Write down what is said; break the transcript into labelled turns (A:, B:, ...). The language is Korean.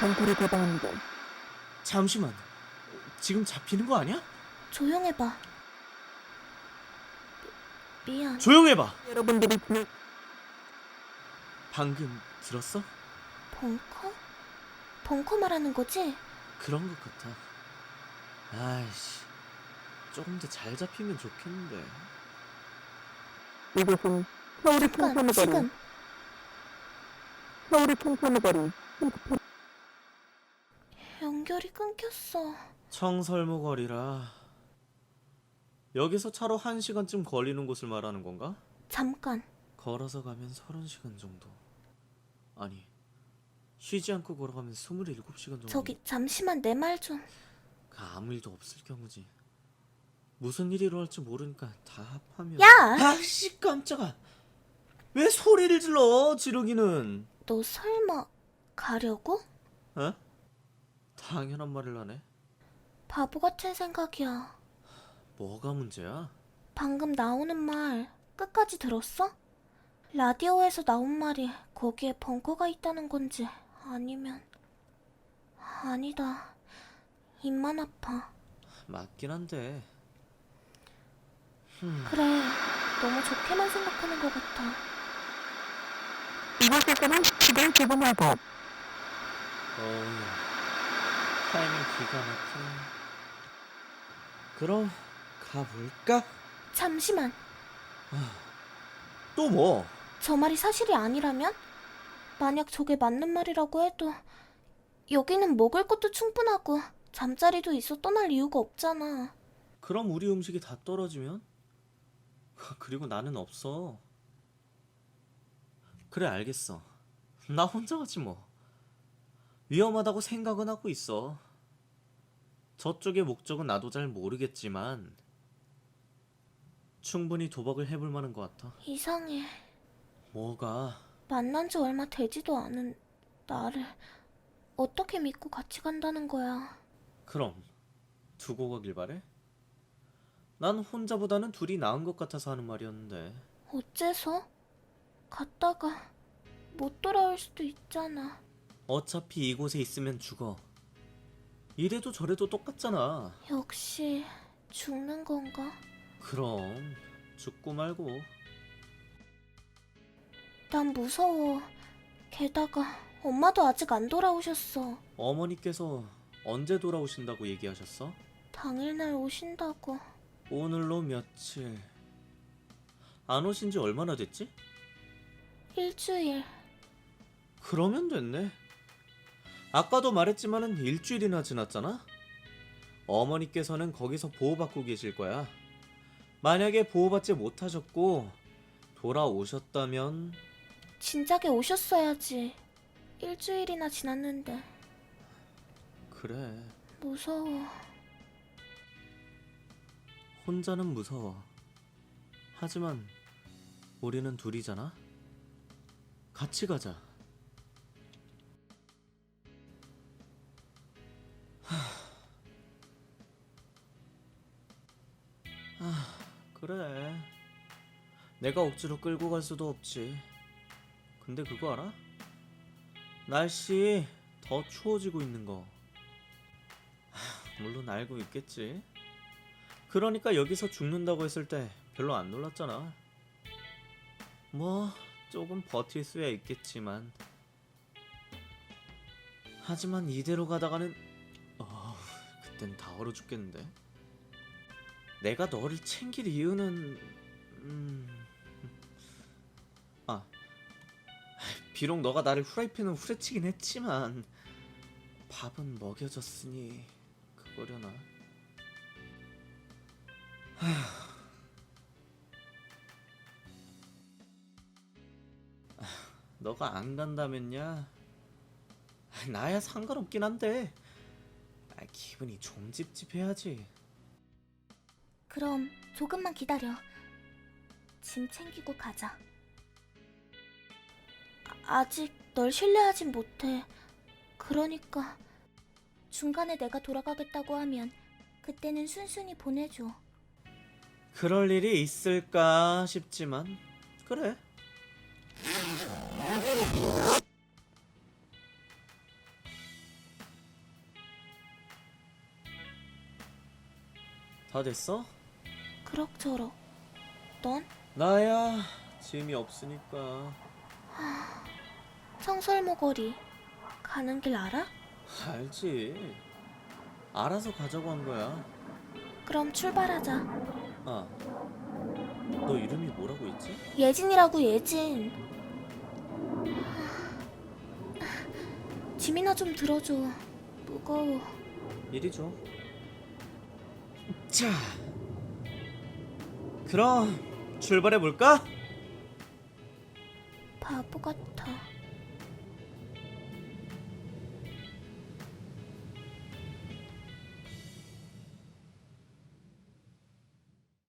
A: 덩굴이 개방합니다.
B: 잠시만, 지금 잡히는 거 아니야?
C: 조용해봐. 미안.
B: 조용해봐.
A: 여러분들이
B: 방금 들었어?
C: 벙커? 벙커 말하는 거지?
B: 그런 것 같아. 아이씨, 조금 더 잘 잡히면 좋겠는데.
A: 이곳은 서울의
C: 잠깐,
A: 청소년 거리.
C: 지금.
A: 서울의 청소년 거리.
C: 연결이 끊겼어.
B: 청설모거리라. 여기서 차로 1시간쯤 걸리는 곳을 말하는 건가?
C: 잠깐.
B: 걸어서 가면 30시간 정도. 아니, 쉬지 않고 걸어가면 27시간 정도.
C: 저기 잠시만 내 말 좀.
B: 아무 일도 없을 경우지. 무슨 일이 일어날지 모르니까 다 합하면.
C: 야!
B: 아씨, 깜짝아. 왜 소리를 질러, 지르기는.
C: 너 설마 가려고?
B: 어? 당연한 말을 하네.
C: 바보 같은 생각이야.
B: 뭐가 문제야?
C: 방금 나오는 말 끝까지 들었어? 라디오에서 나온 말이 거기에 벙커가 있다는 건지 아니면 아니다. 입만 아파.
B: 맞긴 한데.
C: 그래. 너무 좋게만 생각하는 것 같아.
A: 이곳에서는 시대를 개봉하고
B: 어우야, 타이밍 기가 막히네. 그럼 가볼까?
C: 잠시만.
B: 또 뭐?
C: 저 말이 사실이 아니라면? 만약 저게 맞는 말이라고 해도 여기는 먹을 것도 충분하고 잠자리도 있어 떠날 이유가 없잖아.
B: 그럼 우리 음식이 다 떨어지면? 그리고 나는 없어. 그래, 알겠어. 나 혼자 가지 뭐. 위험하다고 생각은 하고 있어. 저쪽의 목적은 나도 잘 모르겠지만 충분히 도박을 해볼 만한 것 같아.
C: 이상해.
B: 뭐가?
C: 만난 지 얼마 되지도 않은 나를 어떻게 믿고 같이 간다는 거야.
B: 그럼 두고 가길 바래? 난 혼자보다는 둘이 나은 것 같아서 하는 말이었는데.
C: 어째서? 갔다가 못 돌아올 수도 있잖아.
B: 어차피 이곳에 있으면 죽어. 이래도 저래도 똑같잖아.
C: 역시 죽는 건가?
B: 그럼 죽고 말고.
C: 난 무서워. 게다가 엄마도 아직 안 돌아오셨어.
B: 어머니께서 언제 돌아오신다고 얘기하셨어?
C: 당일날 오신다고.
B: 오늘로 며칠. 안 오신 지 얼마나 됐지?
C: 일주일.
B: 그러면 됐네. 아까도 말했지만은 일주일이나 지났잖아? 어머니께서는 거기서 보호받고 계실 거야. 만약에 보호받지 못하셨고 돌아오셨다면.
C: 진작에 오셨어야지. 일주일이나 지났는데.
B: 그래,
C: 무서워.
B: 혼자는 무서워. 하지만 우리는 둘이잖아. 같이 가자. 그래. 내가 억지로 끌고 갈 수도 없지. 근데 그거 알아? 날씨 더 추워지고 있는 거. 물론 알고 있겠지. 그러니까 여기서 죽는다고 했을 때 별로 안 놀랐잖아. 뭐 조금 버틸 수야 있겠지만. 하지만 이대로 가다가는 그땐 다 얼어 죽겠는데. 내가 너를 챙길 이유는 비록 너가 나를 후라이팬은 후려치긴 했지만 밥은 먹여줬으니 그거려나. 너가 안 간다면야 나야 상관없긴 한데 기분이 좀 찝찝해야지.
C: 그럼 조금만 기다려. 짐 챙기고 가자. 아직 널 신뢰하진 못해. 그러니까 중간에 내가 돌아가겠다고 하면 그때는 순순히 보내줘.
B: 그럴 일이 있을까 싶지만 그래. 다 됐어?
C: 그럭저럭. 넌?
B: 나야 짐이 없으니까.
C: 청설모거리 가는 길 알아?
B: 알지. 알아서 가자고 한 거야.
C: 그럼 출발하자.
B: 아, 너 이름이 뭐라고 했지?
C: 예진이라고, 예진. 짐이나 좀 들어줘. 무거워.
B: 이리 줘. 자, 그럼 출발해 볼까?
C: 바보 같아.